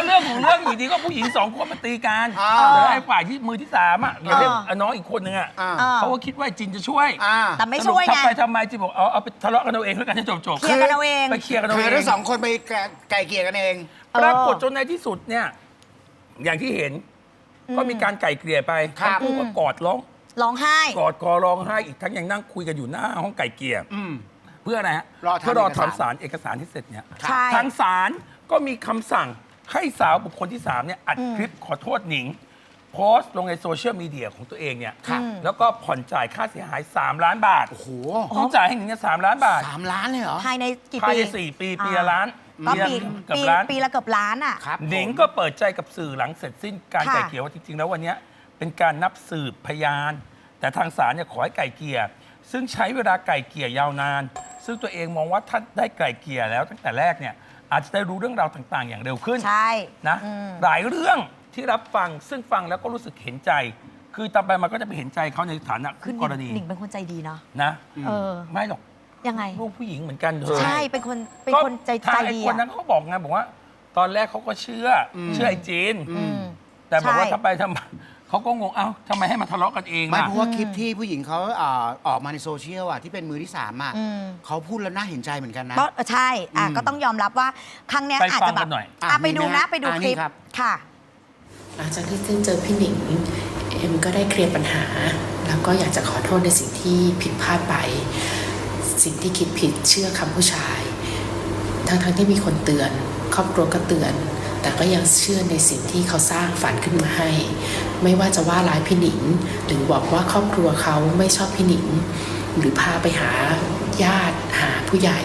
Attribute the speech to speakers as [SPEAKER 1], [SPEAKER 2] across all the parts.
[SPEAKER 1] เรื่องของเรื่องอยู่ดีก็ผู้หญิง2 คนมาตีกันแล้วไอ้ฝ่ายที่มือที่3อ่ะอย่างเรียกน้องอีกคนนึงอ่ะเขาก็คิดว่าจินจะช่วย
[SPEAKER 2] แต่ไม่ช่วยไง
[SPEAKER 1] ทำไมจินบอกเอาไปทะเลาะกันเอาเองแล้วกันจะจบ
[SPEAKER 2] เคลียร์กันเอาเอง
[SPEAKER 1] ไปเคลียร์กันเอาเอง
[SPEAKER 3] ทั้ง2 คนไปไก่เกลี่ยกันเอง
[SPEAKER 1] ปรากฏจนในที่สุดเนี่ยอย่างที่เห็นก็มีการไก่เกลี่ยไปทั้งคู่ก็กอด
[SPEAKER 2] ร้องไห้
[SPEAKER 1] กอดคอร้องไห้อีกทั้งยังนั่งคุยกันอยู่หน้าห้องไก่เกลี่ยเพื่ออะไรฮะเพื่อรอทำเอกสารที่เสร็จเนี่ยทางศาลก็มีคำสั่งให้สาวบุคคลที่3เนี่ยอัดคลิปขอโทษหนิงโพสต์ลงในโซเชียลมีเดียของตัวเองเนี่ยแล้วก็ผ่อนจ่ายค่าเสียหาย3 ล้านบาทโอ้โหต้องจ่ายให้หนิงเนี่ย3 ล้านบาท
[SPEAKER 3] 3 ล้านเลยเหรอ
[SPEAKER 2] ภายในกี่ปี
[SPEAKER 1] ภายใน4 ปีปีละล้าน
[SPEAKER 2] ก็ปีละเกือบล้านอ่ะ
[SPEAKER 1] หนิงก็เปิดใจกับสื่อหลังเสร็จสิ้นการไก่เกลี่ยว่าจริงๆแล้ววันนี้เป็นการนับสืบพยานแต่ทางศาลเนี่ยขอให้ไก่เกลี่ยซึ่งใช้เวลาไก่เกลี่ยยาวนานซึ่งตัวเองมองว่าถ้าได้ไก่เกลี่ยแล้วตั้งแต่แรกเนี่ยอาจจะได้รู้เรื่องราวต่างๆอย่างเร็วขึ้น
[SPEAKER 2] ใช่
[SPEAKER 1] นะหลายเรื่องที่รับฟังซึ่งฟังแล้วก็รู้สึกเห็นใจคือต่อไปมันก็จะไปเห็นใจเขาในฐานะคู่กรณี
[SPEAKER 2] หนิงเป็นคนใจดีเนาะ
[SPEAKER 1] นะไม่หรอก
[SPEAKER 2] ยังไง
[SPEAKER 1] ลูกผู้หญิงเหมือนกันเธอ
[SPEAKER 2] ใช่เป็นคนใจดี
[SPEAKER 1] คนนั้นเขาบอกไงบอกว่าตอนแรกเขาก็เชื่อไอ้จีนแต่บอกว่าทำไมเขาก็งงเอ้าทำไมให้มาทะเลาะกันเอง
[SPEAKER 3] ไม่เพราะว่าคลิปที่ผู้หญิงเขาออกมาในโซเชียลที่เป็นมือที่3เขาพูดแล้วน่าเห็นใจเหมือนกันนะ
[SPEAKER 2] ใช่ก็ต้องยอมรับว่าครั้งนี้อาจจะแบบไปดูนะไปดูคลิปค่ะ
[SPEAKER 4] หลังจากที่เจอพี่หนิงเอ็มก็ได้เคลียร์ปัญหาแล้วก็อยากจะขอโทษในสิ่งที่ผิดพลาดไปสิ่งที่คิดผิดเชื่อคำผู้ชายทั้งที่มีคนเตือนครอบครัวก็เตือนแต่ก็ยังเชื่อในสิ่งที่เขาสร้างฝันขึ้นมาให้ไม่ว่าจะว่าร้ายพี่หนิงหรือบอกว่าครอบครัวเขาไม่ชอบพี่หนิงหรือพาไปหาญาติหาผู้ใหญ่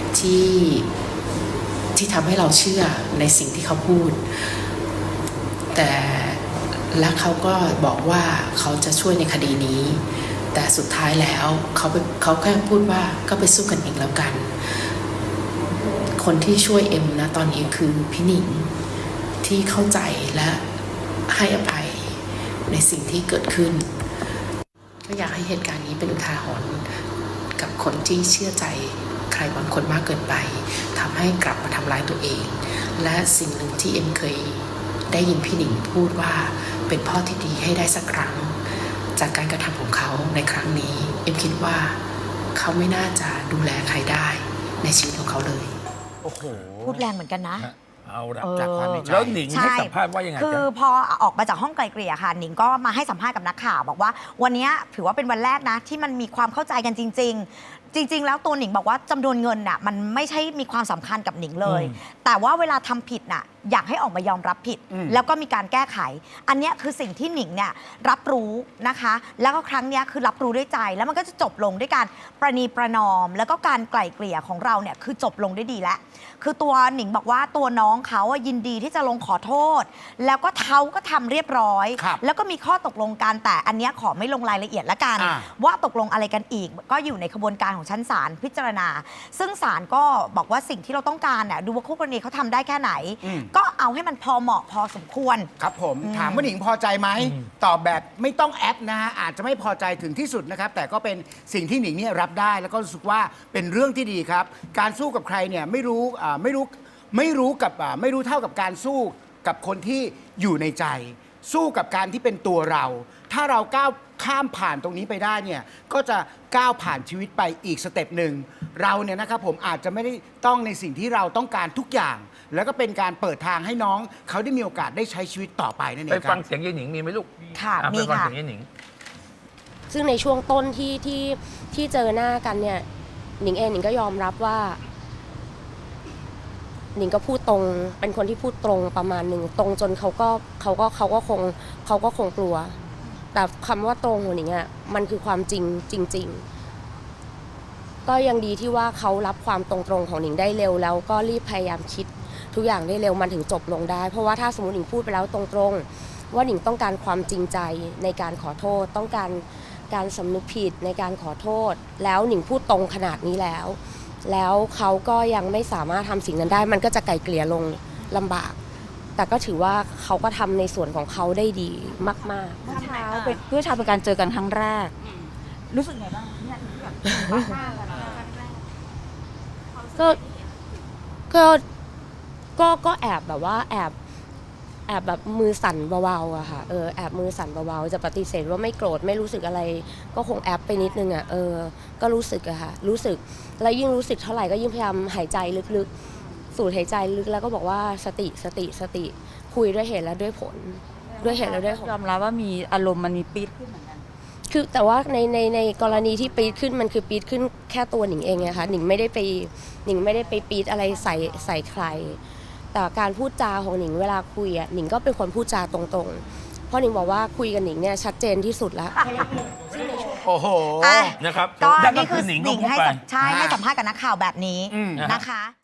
[SPEAKER 4] ที่ทำให้เราเชื่อในสิ่งที่เขาพูดแต่และเขาก็บอกว่าเขาจะช่วยในคดีนี้แต่สุดท้ายแล้วเขาแค่พูดว่าก็ไปสู้กันเองแล้วกันคนที่ช่วยเอ็มนะตอนนี้คือพี่หนิงที่เข้าใจและให้อภัยในสิ่งที่เกิดขึ้นก็อยากให้เหตุการณ์นี้เป็นอุทาหรณ์กับคนที่เชื่อใจใครบางคนมากเกินไปทำให้กลับมาทำร้ายตัวเองและสิ่งหนึ่งที่เอ็มเคยได้ยินพี่หนิงพูดว่าเป็นพ่อที่ดีให้ได้สักครั้งจากการกระทำของเขาในครั้งนี้เอ็มคิดว่าเขาไม่น่าจะดูแลใครได้ในชีวิตของเขาเลย
[SPEAKER 1] โอ้โห
[SPEAKER 2] พูดแรงเหมือนกันนะ
[SPEAKER 1] เอาละจากความในใจแล้วหนิงให้สัมภาษณ์ว่ายังไง
[SPEAKER 2] คือพอออกมาจากห้องไกลเกลี่ยค่ะหนิงก็มาให้สัมภาษณ์กับนักข่าวบอกว่าวันนี้ถือว่าเป็นวันแรกนะที่มันมีความเข้าใจกันจริงๆแล้วตัวหนิงบอกว่าจำนวนเงินน่ะมันไม่ใช่มีความสำคัญกับหนิงเลยแต่ว่าเวลาทำผิดน่ะอยากให้ออกมายอมรับผิดแล้วก็มีการแก้ไขอันนี้คือสิ่งที่หนิงเนี่ยรับรู้นะคะแล้วก็ครั้งนี้คือรับรู้ด้วยใจแล้วมันก็จะจบลงด้วยการประนีประนอมแล้วก็การไกล่เกลี่ยของเราเนี่ยคือจบลงได้ดีแล้วคือตัวหนิงบอกว่าตัวน้องเขายินดีที่จะลงขอโทษแล้วก็เขาก็ทำเรียบร้อยแล้วก็มีข้อตกลงกันแต่อันนี้ขอไม่ลงรายละเอียดละกันว่าตกลงอะไรกันอีกก็อยู่ในกระบวนการของชั้นศาลพิจารณาซึ่งศาลก็บอกว่าสิ่งที่เราต้องการเนี่ยดูว่าคู่กรณีเขาทำได้แค่ไหนก็เอาให้มันพอเหมาะพอสมควร
[SPEAKER 3] ครับผมถามว่าหนิงพอใจไหมตอบแบบไม่ต้องแอปนะฮะอาจจะไม่พอใจถึงที่สุดนะครับแต่ก็เป็นสิ่งที่หนิงเนี่ยรับได้แล้วก็รู้สึกว่าเป็นเรื่องที่ดีครับการสู้กับใครเนี่ยไม่รู้เท่ากับการสู้กับคนที่อยู่ในใจสู้กับการที่เป็นตัวเราถ้าเราก้าวข้ามผ่านตรงนี้ไปได้เนี่ยก็จะก้าวผ่านชีวิตไปอีกสเต็ปหนึ่งเราเนี่ยนะครับผมอาจจะไม่ได้ต้องในสิ่งที่เราต้องการทุกอย่างแล้วก็เป็นการเปิดทางให้น้องเขาได้มีโอกาสได้ใช้ชีวิตต่อไปนั่นเองครับ
[SPEAKER 1] ไปฟังเสียงยายหนิงมีไหมลูก
[SPEAKER 2] ค่ะมีค่ะ
[SPEAKER 1] ไปฟังเสียงยายหนิง
[SPEAKER 5] ซึ่งในช่วงต้นที่เจอหน้ากันเนี่ยหนิงเองหนิงก็ยอมรับว่าหนิงก็พูดตรงเป็นคนที่พูดตรงประมาณหนึ่งตรงจนเขาก็คงกลัวแต่คำว่าตรงของหนิงอ่ะมันคือความจริงก็ยังดีที่ว่าเขารับความตรงของหนิงได้เร็วแล้วก็รีบพยายามคิดทุกอย่างได้เร็วมันถึงจบลงได้เพราะว่าถ้าสมมติหนิงพูดไปแล้วตรงว่าหนิงต้องการความจริงใจในการขอโทษต้องการสำนึกผิดในการขอโทษแล้วหนิงพูดตรงขนาดนี้แล้วเขาก็ยังไม่สามารถทำสิ่งนั้นได้มันก็จะไกลเกลี่ยลงลำบากแต่ก็ถือว่าเขาก็ทำในส่วนของเขาได้ดีมากๆ
[SPEAKER 2] เมื่อเช้าเป็นการเจอกันครั้งแรกรู้สึกไงบ้างเนี่ย
[SPEAKER 5] ก็แอบแบบว่าแแอบแบบมือสั่นเบาๆอะค่ะแอบมือสั่นเบาๆจะปฏิเสธว่าไม่โกรธไม่รู้สึกอะไร ก็คงแอบไปนิดนึงอะก็รู้สึกอะค่ะรู้สึกแล้วยิ่งรู้สึกเท่าไหร่ก็ยิ่งพยายามหายใจลึกๆสูดหายใจลึกแล้วก็บอกว่าสติคุยด้วยเหตุและด้วยผลด้วยเหตุและด้วยผล
[SPEAKER 6] ยอมรับว่ามีอารมณ์มันมีปี๊ดขึ้นเหมือนกัน
[SPEAKER 5] คือแต่ว่าในกรณีที่ปี๊ดขึ้นมันคือปี๊ดขึ้นแค่ตัวหนิงเองไงคะหนิงไม่ได้ไปปี๊ดอะไรใส่ใครแต่การพูดจาของหนิงเวลาคุยอ่ะหนิงก็เป็นคนพูดจาตรงๆเพราะหนิงบอกว่าคุยกับหนิงเนี่ยชัดเจนที่สุดแล้ว
[SPEAKER 3] โอ้โห
[SPEAKER 1] นะครับ
[SPEAKER 2] ก็
[SPEAKER 1] นั่นก็
[SPEAKER 2] นี่
[SPEAKER 1] คื
[SPEAKER 2] คือ อ
[SPEAKER 1] หนิง
[SPEAKER 2] ห
[SPEAKER 1] ก็
[SPEAKER 2] นิง
[SPEAKER 1] พูด
[SPEAKER 2] ให้
[SPEAKER 1] ไป
[SPEAKER 2] ให้สัมภาษณ์กับนักข่าวแบบนี้
[SPEAKER 3] อืม
[SPEAKER 2] นะคะ